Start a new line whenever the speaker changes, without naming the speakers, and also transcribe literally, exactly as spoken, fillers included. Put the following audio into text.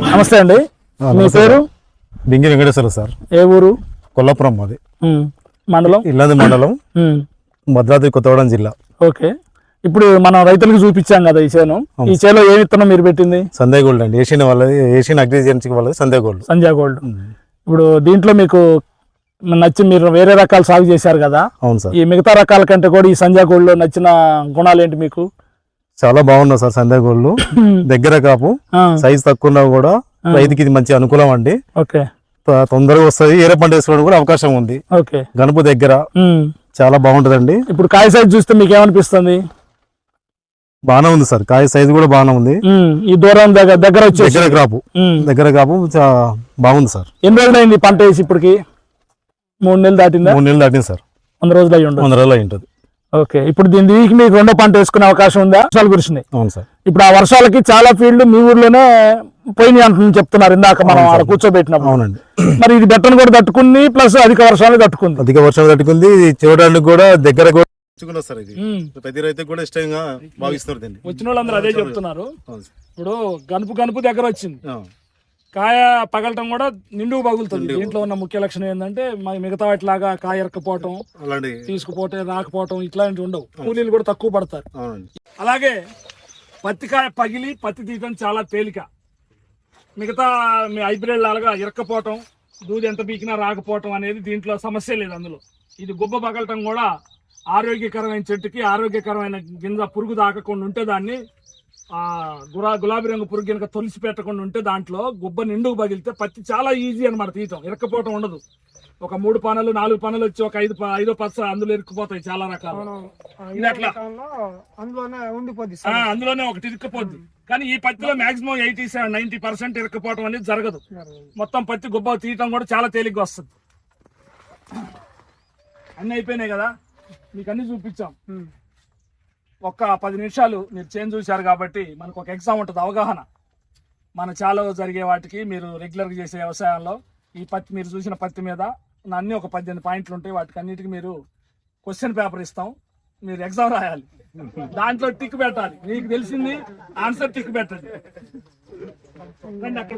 నమస్తే అండి, మీ పేరు?
బింగి వెంకటేశ్వర సార్.
ఏ ఊరు?
కొల్లాపురం మాది.
మండలం?
ఇల్లంది మండలం, భద్రాద్రి కొత్తగూడెం జిల్లా.
ఓకే, ఇప్పుడు మనం రైతులకు చూపించాం కదా ఈ చేను. ఈ చేలో ఏ విత్తనం మీరు పెట్టింది?
సంధ్య గోల్డ్ అండి. ఏషియన్ వాళ్ళది, ఏషియన్ అగ్రిజెన్సీ వాళ్ళది సంధ్య గోల్డ్.
సంధ్య గోల్డ్. ఇప్పుడు దీంట్లో మీకు నచ్చి మీరు వేరే రకాలు సాగు చేశారు కదా.
అవును సార్.
ఈ మిగతా రకాల కంటే కూడా ఈ సంధ్య గోల్డ్ లో నచ్చిన గుణాలు ఏంటి మీకు?
చాలా బాగున్నాయి సార్. సంధ్య గోల్డ్ దగ్గర కాపు, సైజ్ తక్కువ ఉన్నా కూడా రైతుకి ఇది మంచి అనుకూలం అండి.
ఓకే,
తొందరగా వస్తుంది. ఏరే పంట వేసుకోవడం కూడా అవకాశం ఉంది.
ఓకే,
గనుపు దగ్గర చాలా బాగుంటదండి.
ఇప్పుడు కాయ సైజ్ చూస్తే మీకు ఏమనిపిస్తుంది?
బాగానే ఉంది సార్. కాయ సైజ్ కూడా బాగానే ఉంది.
ఈ దూరం దగ్గర దగ్గర వచ్చి
దగ్గర కాపు, దగ్గర కాపు బాగుంది సార్.
ఎన్ని రోజులు అయింది పంట వేసి? ఇప్పటికి మూడు నెలలు దాటిందా?
మూడు నెలలు దాటింది సార్.
వంద రోజులు అయ్యి ఉండదు.
వంద రోజులు అయి ఉంటుంది.
ఓకే, ఇప్పుడు దీని దీనికి మీకు రెండో పంట వేసుకునే అవకాశం ఉందా? వర్షాలు కురిసినాయి.
అవును సార్.
ఇప్పుడు ఆ వర్షాలకి చాలా ఫీల్డ్ మీ ఊర్లోనే పోయినాయి అంటున్నాను చెప్తున్నారు ఇందాక మనం ఆడ కూర్చోబెట్టినప్పుడు.
అవునండి.
మరి ఇది బెట్టను కూడా తట్టుకుంది, ప్లస్ అధిక వర్షాలు తట్టుకుంది.
అధిక వర్షాలు తట్టుకుంది. చూడడానికి కూడా దగ్గర కూడా సార్. ఇది ప్రతి రైతు కూడా ఇష్టంగా భావిస్తారు. దీన్ని
వచ్చిన వాళ్ళందరూ అదే చెప్తున్నారు. ఇప్పుడు గనుపు గనుపు దగ్గర వచ్చింది, కాయ పగలటం కూడా నిండుకు పగులుతుంది. దీంట్లో ఉన్న ముఖ్య లక్షణం ఏంటంటే మిగతా వాటిలాగా కాయ ఎరకపోవటం, తీసుకుపోతే రాకపోవటం ఇట్లాంటివి ఉండవు. కూలీలు కూడా తక్కువ పడతారు. అలాగే పత్తి కాయ పగిలి పత్తి తీయటం చాలా తేలిక. మిగతా హైబ్రిడ్ లాగా ఇరక్కపోవటం, దూది ఎంత బీకినా రాకపోవటం అనేది దీంట్లో సమస్య లేదు. అందులో ఇది గుబ్బ పగలటం కూడా ఆరోగ్యకరమైన చెట్టుకి ఆరోగ్యకరమైన గింజ పురుగు దాకకుండా ఉంటే దాన్ని ఆ గురా గులాబీ రంగు పురుగు కనుక తొలిసి పెట్టకుండా ఉంటే దాంట్లో గుబ్బ నిండుకు పగిలితే పత్తి చాలా ఈజీ అనమాట తీయటం. ఇరక్కపోవటం ఉండదు. ఒక మూడు పనులు నాలుగు పనులు వచ్చి ఒక ఐదు ఐదో పచ్చ అందులో ఇరుక్కుపోతాయి చాలా రకాలు. ఇది అట్లా అందులోనే ఒకటి ఇరుక్కుపోద్ది. కానీ ఈ పత్తిలో maximum eighty seven ninety percent ఇరుక్కుపోవటం అనేది జరగదు. మొత్తం పత్తి గుబ్బ తీయటం కూడా చాలా తేలిగ్గా వస్తుంది. అన్ని అయిపోయినాయి కదా, మీకు అన్ని చూపించాం. ఒక్క పది నిమిషాలు మీరు చేంజ్ చూశారు కాబట్టి మనకు ఒక ఎగ్జామ్ ఉంటుంది, అవగాహన. మన చాలా జరిగే వాటికి మీరు రెగ్యులర్గా చేసే వ్యవసాయంలో ఈ పత్తి మీరు చూసిన పత్తి మీద అన్ని ఒక పద్దెనిమిది పాయింట్లు ఉంటాయి. వాటికి అన్నిటికీ మీరు క్వశ్చన్ పేపర్ ఇస్తాం, మీరు ఎగ్జామ్ రాయాలి. దాంట్లో టిక్ పెట్టాలి. మీకు తెలిసింది ఆన్సర్ టిక్ పెట్టండి.